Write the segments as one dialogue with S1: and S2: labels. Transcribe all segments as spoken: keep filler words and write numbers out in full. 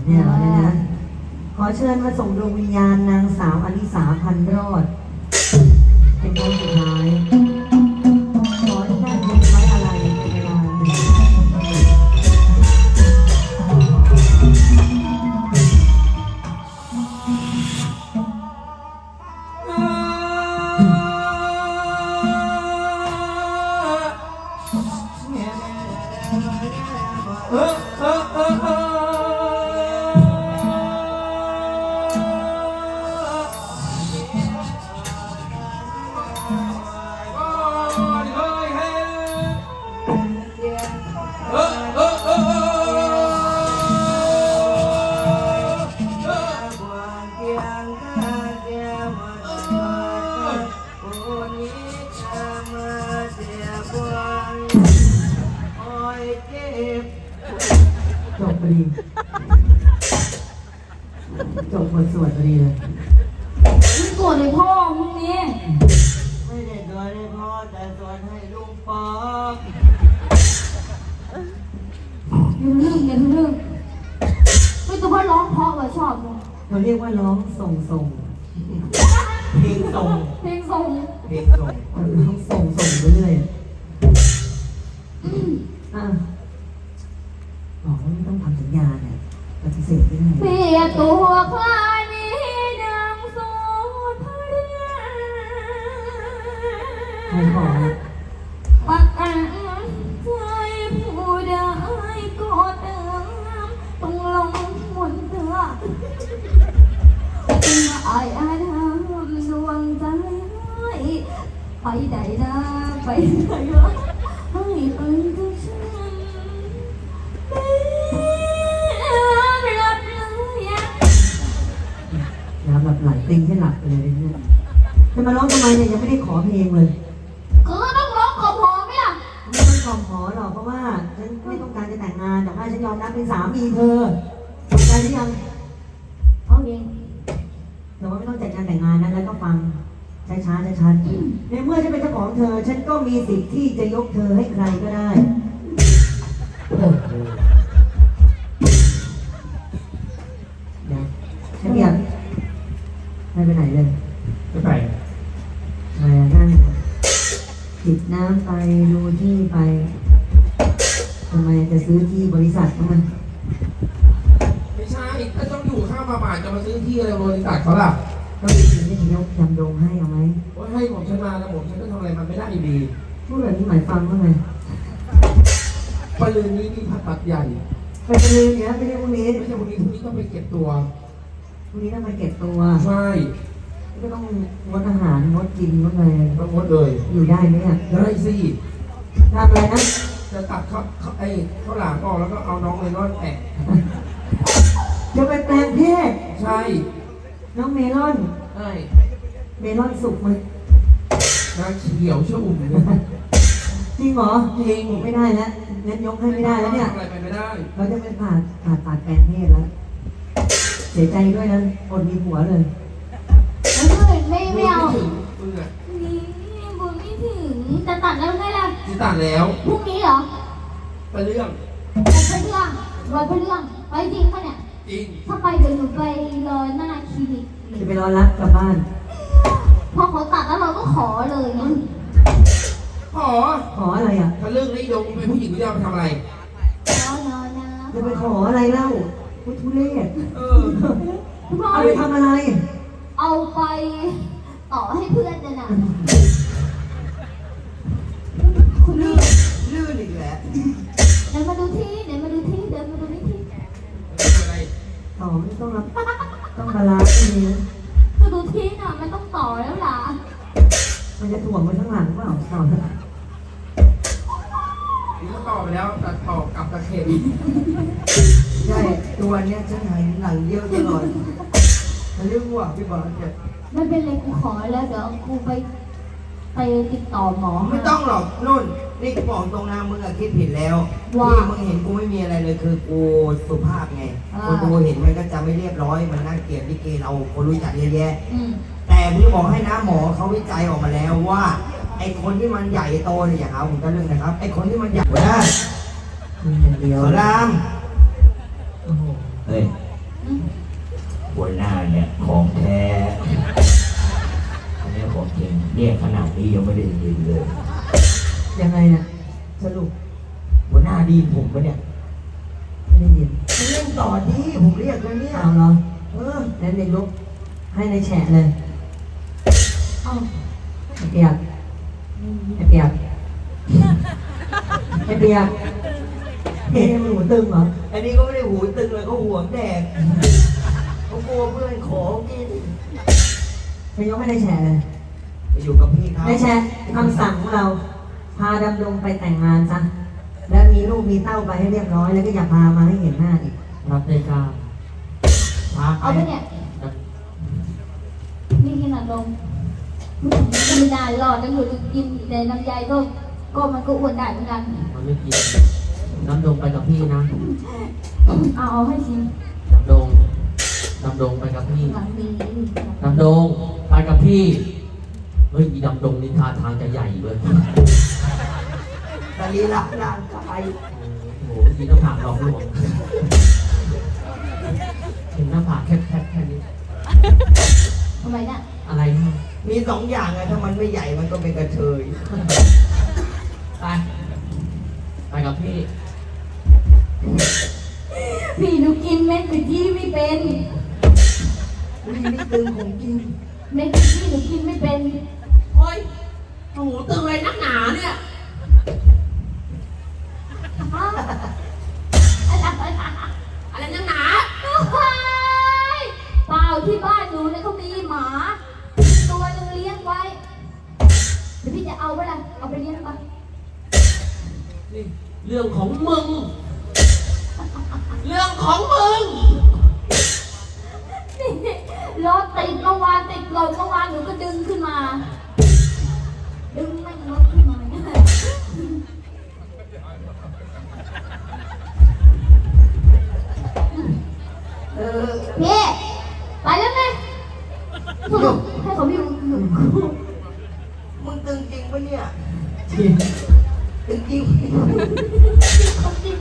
S1: เนี่ยเหรอเนี่ยนะขอเชิญมาส่งดวงวิญญาณนางสาวอลิสาพันรอดเป็นคนสุดท้ายขอให้ท่านเป็นไว้อะไรเป็นเวลาหนึ่ง
S2: เออเออเออเออ
S1: จบพอดีจบบทสวดพอดีเลย
S3: มึงโกรธเลยพ่อมึงนี่
S1: ไม่ได้สวดให้พ่อแต่สวดให้ลุงป๊อก
S3: อย่าทะลึ่งอย่าทะลึ่งไม่ตัวพ่อร้องเพราะว่าชอบมึง
S1: เราเรียกว่าร้องส่งส่งเพลงส่ง
S3: เพลงทรง
S1: เพลงส่งร้องส่งส่งไปเรื่อยอ่ะบอกว่าไม่ต้องทำสัญญาเนี่ยปฏิเสธไม่ได้
S3: เปียตัวคลายนี้ดังโซทะเรีย
S1: ใครขอ
S3: ปักอันใจผู้ได้ก็เติมต้องลงหมุนเถื่อไอ้อาทำดวงใจให้ไปไหนนะไปไหนวะให้เป็นทุกฉันรับเลยอะ
S1: น้ำหลับไหลติงให้หลับไปเลยเนี่ยจะมาร้องทำไมเนี่ยยังไม่ได้ขอเพลงเลย
S3: ก็ต้องร้องขอพอไหมล่ะ
S1: ไม่ต้องขอขอหรอกเพราะว่าฉันไม่ต้องการจะแต่งงานแต่ว่าฉันยอมรับเป็นสามีเธอเข้าใจหรือยัง
S3: เอาเอง
S1: แต่ว่าไม่ต้องจัดงานแต่งงานนะแล้วก็ฟังช้าช้าช้าช้าในเมื่อฉันเป็นเจ้าของเธอ ฉันก็มีสิทธิ์ที่จะยกเธอให้ใครก็ได้เดี๋ยวฉันอยากไม่ไปไหนเลย
S2: ไม่ไป
S1: มานั่งจิบน้ำไปดูที่ไปทำไมจะซื้อที่บริษัทเขามัน
S2: ไม่ใช่ก็ต้องอยู่ข้างมาป่าจะมาซื้อที่อะไรบริษัทเขาล่ะ
S1: ก็มีสิ่งที่จะยกยำดงให้เอาไหม
S2: ว่าให้ผมฉันมาแล้วผมฉันก็ทำอะไรมันไม่ได้อยู่ดี
S1: พูดแบบนี้หมายความว่าไง
S2: ปลืนนี้มีผัดตัดใหญ่
S1: ไปจะลืมเนี่ยไม่ใช่พรุ่งนี้
S2: ไม่ใช่พรุ่งนี้พรุ่งนี้ต้องไปเก็บตัว
S1: พรุ่งนี้ต้องไปเก็บตัว
S2: ใช่
S1: ก็ต้องงดอาหารงดกินงดอะไร
S2: ต้องงดเลย
S1: อยู่ได้ไหมเนี่ย
S2: ได้สิ
S1: ทำอะไรนะ
S2: จะตัดข้าวไอ้ข้าวหลามออกแล้วก็เอาน้องเมลอนแตะ
S1: จะไปแปลงเพศ
S2: ใช่
S1: น้องเมลอน
S2: ใช่
S1: เมลอนสุกมั้ย
S2: นางเขียวชอุ่มเลย
S1: จริงเหรอ
S2: จริง
S1: ไม่ได้แล้วงั้นยกให้ไม่ได้แล้วเนี่ย
S2: อะไรไปไม่ได้
S1: เราจะไปผ่าผ่าตัดแปลงเพศแล้ว เสียใจด้วยนะอดมีผัวเลย
S3: ไม่ไม่ไม่เอา
S2: ถึงมึงอ่ะ
S3: นี่บุญไม่ถึงจะตัดแล้วไงล่ะ
S2: ที่ตัดแล้ว
S3: พรุ่งนี้เหรอ
S2: ไปเรื่อง
S3: ไปเรื่องรอยไปเรื่องไปจริงปะเนี่ย
S2: จริง
S3: ถ้าไปเดี๋ยวหนูไปรอหน้าคลินิก
S1: จะไปรอรับกลับบ้าน
S3: พอเขาตัดแล้วเราก็ขอเลยไง
S2: ขอ
S1: ขออะไรอ่ะ
S2: ถ้าเรื่องนี้โยมเป็นผู้หญิงไม่ได้เอาไปทำอะไร
S3: ขอนอนนะ
S1: จะไปขออะไรเล่าพุทธุเรศ
S2: เออ
S3: คุณพ่อ
S1: เอาไปทำอะไร
S3: เอาไปต่อให้เพื่อนนะนะคุณนี่
S1: ลื่นอีกแล้ว
S3: เดี๋ยวมาดูที่เดี๋ยวมาดูที่เดี๋ยวมาดูที่ที่
S2: อะไร
S1: ต่อไม่ต้องรับต้องบาลานซ์ให้ดีนะ
S3: มาดูที่น่ะมันต้องต่อแล้วล่ะ
S1: มันจะถ่วงไปข้างหลังเปล่าต่อเถอะ
S2: นี่ก็ต่อไปแล้วตัดต่อกลับตะเข็บ
S1: ใช่ตัวเนี้ยฉันหายหนังเยอะตลอดมันเรื่องว่าพี่บอลเนี่ย
S3: ไม่เป็นไรกูขอแล้วเดี๋ยวกูไปไปติดต่อหมอ
S4: ไม่ต้องหรอกนุ่นนี่กูบอกตรงนะมึงอะคิดผิดแล้วที่มึงเห็นกูไม่มีอะไรเลยคือกูสุภาพไงคนดูเห็นมันก็จะไม่เรียบร้อยมันน่าเกลียดลิเกเราคนรู้จักเยอะแยะ
S3: อืม
S4: แต่พี่บอกให้นะหมอเขาวิจัยออกมาแล้วว่าไอ้คนที่มันใหญ่โตเนี่ยอย่าหาผมจะเรื่องนะครับไอ้คนที่มันใหญ่นะ
S1: มีอย่างเดียว
S4: สอนราม
S1: โอ้โห
S4: เฮ้ย
S5: หัวหน้าเนี่ยของแท้อันนี้ของจริงเรียกขนาดนี้ยังไม่ได้ยินเลย
S1: ยังไงเนี่ยสรุป
S5: หัวหน้าดีผมปะเนี่ย
S1: ไม่ได้ยิน
S4: มึงเล่นต่อดิผมเรียกแล้วเนี่ย
S1: เอาเหรอ
S4: เออ
S1: แล้วในลุกให้ในแฉะเลย
S3: เอา
S1: ไอ้เปียกไอ้เปียกไอ้เปียกเฮ้ยมันหูตึงเหรอ
S4: อันนี้ก็ไม่ได้หูตึงเลยเขาห่วงแดกเขากลัวเพื่อนขอกิน
S1: ไปยกให้ในแฉะเลย
S4: ไปอยู่กับพี่เขา
S1: ในแฉะคำสั่งของเรา พาดำดงไปแต่งงานซะ แล้วมีลูกมีเต้าไปให้เรียบร้อย แล้วก็อย่าพามาให้เห็นหน้าอีก
S5: รับได้กล้าพา
S3: เอา
S5: ไป
S3: ไปเนี่ยนี่ขนาดลงไม่ได้หรอกจะอยู่กินแต่น้ำใยก็ก็มันก็อ้วนได้เหมือนกัน
S5: มันไม่กินน้ำดงไปกับพี่นะ
S3: เอาเอาให้ชิม
S5: น้ำดงน้ำดงไปกับพี่
S3: หลังมี
S5: น้ำดงไปกับพี่เฮ้ยอีน้ำดงนี่ท่าทางจะใหญ่เลย
S4: สรีระร่างกาย
S5: โอ้โหมีหน้าผากหลอกลวงเห็นหน้าผากแคบๆแค่นี้
S3: ทำไมเนี่ย
S5: อะไรนะ
S4: มีสองอย่างไงถ้ามันไม่ใหญ่มันก็เป็นกระเทย
S5: ไปไปกับพี่
S3: พี่หนูกินเม็ดกะทิไม่เป็น
S4: อุ้ยนี่ตึงของจริง
S3: เม็ดกะทิหนูกินไม่เป็น
S5: เฮ้ยโอ้โหตึงอะไรนักหนาเนี่ย
S3: อ้าวอะไร
S5: อะไรนักหนา
S3: เปล่าที่บ้านหนูเนี่ยเขามีหมา ตัวหนึงเลี้ยงไว้เดี๋ยวพี่จะเอาไปละเอาไปเลี้ยงปะ
S5: นี่เรื่องของมึง เรื่องของมึง
S3: นี่รถติดเมื่อวานติดลมเมื่อวานหนูก็ดึงขึ้นมา ดึงไม่งรถขึ้นมาเนี่ย
S4: เออ
S3: พี่ไปแล้วไงให้เขาอยู่อยู่
S4: มึงตึงจริงปะเนี่ย
S1: จริง
S4: ตึงจริง
S3: เขาจริง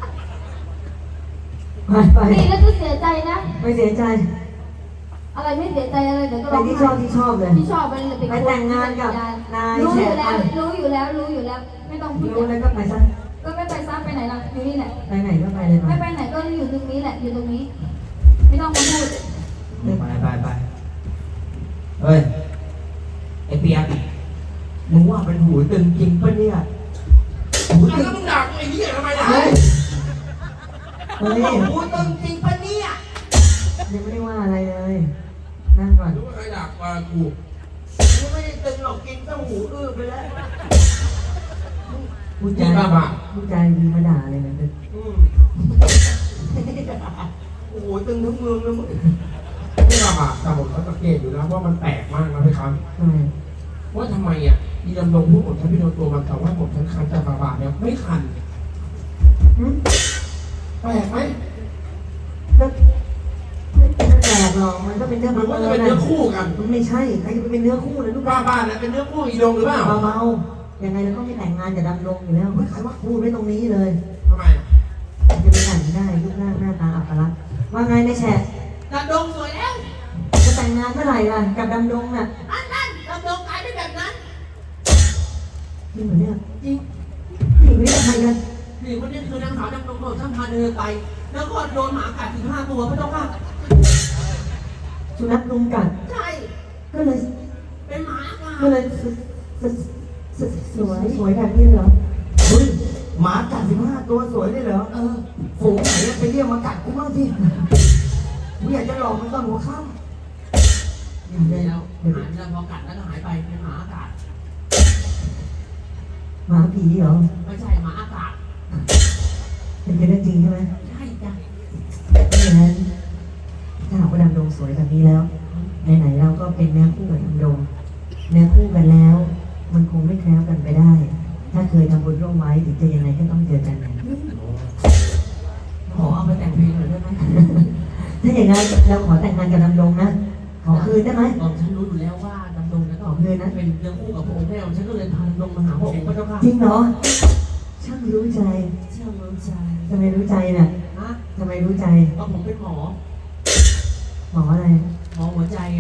S1: ไปไป
S3: พี่แล้วจะเสียใจนะ
S1: ไม่เสียใจ
S3: อะไรไม่เสียใจอะไรเดี๋ยวก็
S1: ไป
S3: ร้อง
S1: ที่ชอบที่ชอบเลย
S3: ที่ชอบไปเลย
S1: ไปแต่งงานกับนาย
S3: รู้
S1: แฉ
S3: อยู่
S1: ไป
S3: แล้วรู้อยู่แล้วรู้อยู่แล้ว ไม่ต้องพูด
S1: รู้แล้วก็ไปซะ
S3: ก็ไม่ไปซ้ำไปไหนล่ะอยู่นี่แหละ
S1: ไปไหนก็ไปเลย
S3: ไม่
S1: ไป
S3: ไปไหนก็อยู่ตรงนี้แหละอยู่ตรงนี้ ไม่ต้องมาพูด
S4: ไปไปไปเฮ้ย ไอเปียกมึงว่าเป็นหูตึงจริงปะเนี่ยหูตึ
S2: แล้
S4: ง
S2: วมึงด่ากูไอ้เหี้ยทำไมล่ะ
S1: เฮ้ยเฮ้ย
S4: หูตึงจริงปะเนี่ย
S1: ยังไม่ได้ว่าอะไรเลย นั่งก่อน
S2: รู้ว่าใครด่าว่ากู
S4: กูไม่ได้ตึงหรอกกินตั้งหูอื้อไปแล้ว
S1: พูดใจ
S2: นี่บ้าบ้า
S1: พูดใจดีมาด่าเลยนะ
S2: อืม
S4: โอ้โหตึงทั้งเมืองเลยมึง
S2: ไม่บ้าบ้าแต่ผมก็สังเกตอยู่นะว่ามันแปลกมากนะพี่ครับ
S1: ทำไม
S2: ว่าทำไมอ่ะอีดำรงพูดผมฉันพี่โดนตัวมันแต่ว่าผมฉันคันจากบาบาเนี่ยไม่คัน
S1: หึ
S2: แปลกไหม
S1: ก็ไม่เป็นแปลกหรอกมันก็เป็นเรื่อง
S2: หรือ
S1: บั
S2: ว่าง จะ
S1: เอิ
S2: เป็น
S1: ญ
S2: เนื้อ
S1: นะ
S2: คู่กัน
S1: มันไม่ใช่ใครจะไปเป็นเนื้อคู่เลยลูก
S2: บ้าบ้าเนี่ยเป็นเนื้อคู่อีดงหรือเปล่า
S1: เบาๆยังไงเราก็ไม่แต่งงานกับดำรงอยู่แล้วใครว่าพูดไว้ตรงนี้เลย
S2: ทำไมอ่ะ
S1: จะไปแต่งได้รูปร่างหน้าตาอัปลักษณ์ว่าไงในแฉะ
S5: ดำดงสวยแล้ว
S1: จะแต่งงานเมื่อไหร่ล่ะกับดำรงน่ะ
S5: นั่นนั่นดำดงกลายเป็นแบบนั้น
S1: จริงเหรอเนี่ย
S5: จริง
S1: ผู้หญิงคนนี้กับใครกัน
S5: นี่คนนี้คือนางสาวดำดงโดนช่างพาเดินไป แล้วก็โดนหมากัดถึงห้าตัวไม่ต้องว่า
S1: สุนัขลุมกัด
S5: ใช่
S1: ก็เลย
S5: เป็นหมากัด
S1: ก็เลยสสสสวยสวยแบบนี้เหรอ
S4: เฮ้ยหมากัดสิบห้าตัวสวยได้เหรอ เออฝูงไหนอะไปเรียกมากัดกูบ้างสิกูอยากจะหลอกมันตอนหัวค่ำ
S1: เดี๋ยว
S5: เดี๋
S1: เดี๋
S5: ย
S1: ยว
S5: ว
S1: เดี๋ยว
S5: หายแล้วพอกัดแล้วก็หายไปเป็นหมาอากาศ
S1: หมาผีเหรอ
S5: ไม่ใช่หมาอากาศ
S1: เป็นเรื่องจริงใช่ไหม
S5: ใช่จ้ะ
S1: ไม่อย่างนั้นถ้าหากว่าดำดงสวยแบบนี้แล้วไหนๆเราก็เป็นเนื้อคู่กับดำดงเนื้อคู่กันแล้ว มันคงไม่แคล้วกันไปได้ ถ้าเคยทำบุญร่วมไว้ถึงจะยังไงก็ต้องเจอกันนะ
S5: ขอเอาไปแต่งเพลงหน่อยได้ไหม
S1: ถ้าอย่างนั้นเราขอแต่งงานกับดำดงนะขอคืนได้ไหม
S5: ตอนฉันรู้อยู่แล้วว่าดำดงเนี่ยก็เป็นเรื่องคู่กับพระองค์แม่ฉันก็เลยพาดำดงมาหาพระองค์พระเจ้าค่ะ
S1: จริงเหรอช่างรู้ใจ
S5: เชื่อมือใจ
S1: ทำไมรู้ใจน่ะ
S5: นะ
S1: ทำไมรู้ใจ
S5: ก็ผมเป็นหมอ
S1: หมออะไร
S5: มองหัวใจไง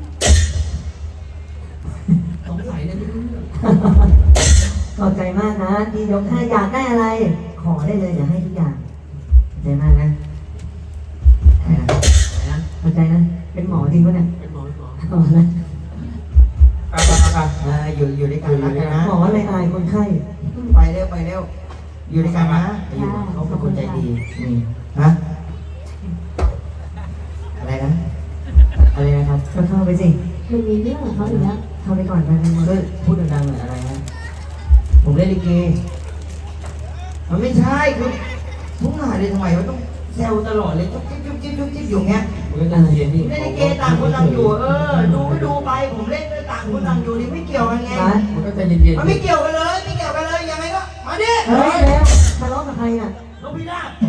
S5: สงสัยเลยไม่รู้เรื่อง
S1: ขอบใจมากนะที่ยกให้อยากได้อะไร ขอได้เลยเดี๋ยวให้ทุกอย่างขอบใจมากนะ
S5: อะไรนะ
S1: ขอบใจนะ เป็นหมอจริงปะเนี่ย
S5: เป็นหมอเป็นหมอ
S1: หมอนะ
S2: ไปไปไปไป
S4: เอออยู่อยู่ด้วยกันรักกันนะ
S1: หมออะไรอายคนไข้
S4: ไปเร็วไปเร็วอยู่ด้วยกันนะอยู่เขาเป็นคนใจดีนี่ฮะอะไรนะอะไรนะครับ
S1: ก็เข้าไปสิ
S3: มันมีเรื่องของเขาอยู่แล้ว
S1: เข้าไปก่อนไปไปหมด
S4: ก็พูดดังๆหน่อยอะไรฮะผมเล่นลิเกมันไม่ใช่คือทุกงานเลยทำไมมันต้องแซวตลอดเลยจุ๊บจิ๊บจุ๊บจิ๊บจุ๊บจิ๊บอยู่เงี้ย
S2: มึงก็ใจเย็นนี่
S4: เล่นลิเกต่างคนต่างอยู่เออดูก็ดูไปผมเล่นด้วยต่างคนต่างอยู่นี่ไม่เกี่ยวกันไง
S1: ร้าน
S2: มึงก็ใจเย็น
S4: มันไม่เกี่ยวกันเลยไม่เกี่ยวกันเลยยังไงก็มาดิ
S1: เฮ้ยแล้วทะเลาะกับใครอ่ะ
S4: นกพิราบ